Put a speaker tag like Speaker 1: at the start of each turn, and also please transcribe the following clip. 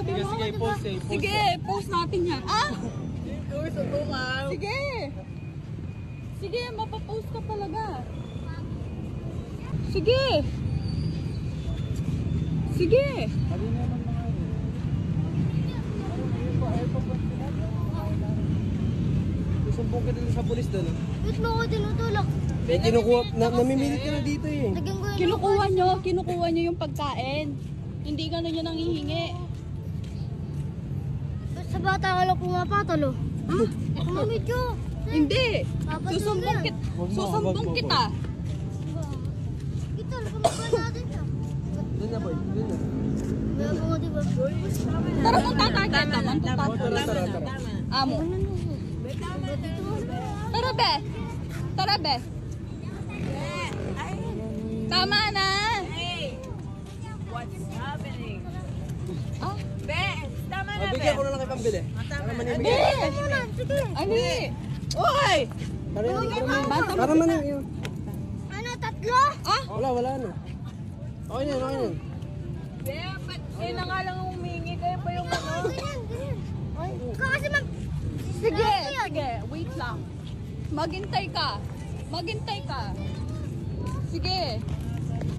Speaker 1: sabi mo.
Speaker 2: Sige, post eh.
Speaker 1: Sige, post natin yan. Ah! Sige. Sige, mapapost ka talaga. Sige. Sige.
Speaker 2: Sabi naman mga susumbong ka din sa pulis doon.
Speaker 3: Ba't mo ako tinutulak?
Speaker 2: Eh, kinukuha, namimilit ka na dito eh.
Speaker 3: Lagyan ko yun.
Speaker 1: Kinukuha nyo yung pagkain. Hindi gano'n yun ang hihingi.
Speaker 3: Ba't sa bata ka lang pumapatalo?
Speaker 1: Ha?
Speaker 3: Kumamit ko.
Speaker 1: Hindi.
Speaker 3: Papatulog
Speaker 1: Susumbong,
Speaker 3: yan.
Speaker 1: susumbong kita.
Speaker 3: Ito, kumakain natin siya.
Speaker 2: Doon na boy, doon na.
Speaker 3: Kaya mo nga diba?
Speaker 1: Tara kung tatarget naman.
Speaker 2: Tara.
Speaker 1: Amo. Tara be. Tara be. Tama na.
Speaker 4: What's happening?
Speaker 1: Ah,
Speaker 4: Be, tama na, Be.
Speaker 2: Bigyan ko na lang kay pambili. Para manimigay.
Speaker 3: Sige muna, sige.
Speaker 1: ani. Oy!
Speaker 2: Para manimigay.
Speaker 3: Ano, tatlo?
Speaker 1: Ah,
Speaker 2: Wala na. Okay na yan.
Speaker 4: Be, ba't kayo na nga lang humingi? Kayo pa yung ano?
Speaker 3: Ganyan, ganyan. Ikaw kasi
Speaker 1: sige, sige. Wait lang. Maghintay ka. Maghintay ka. Sige.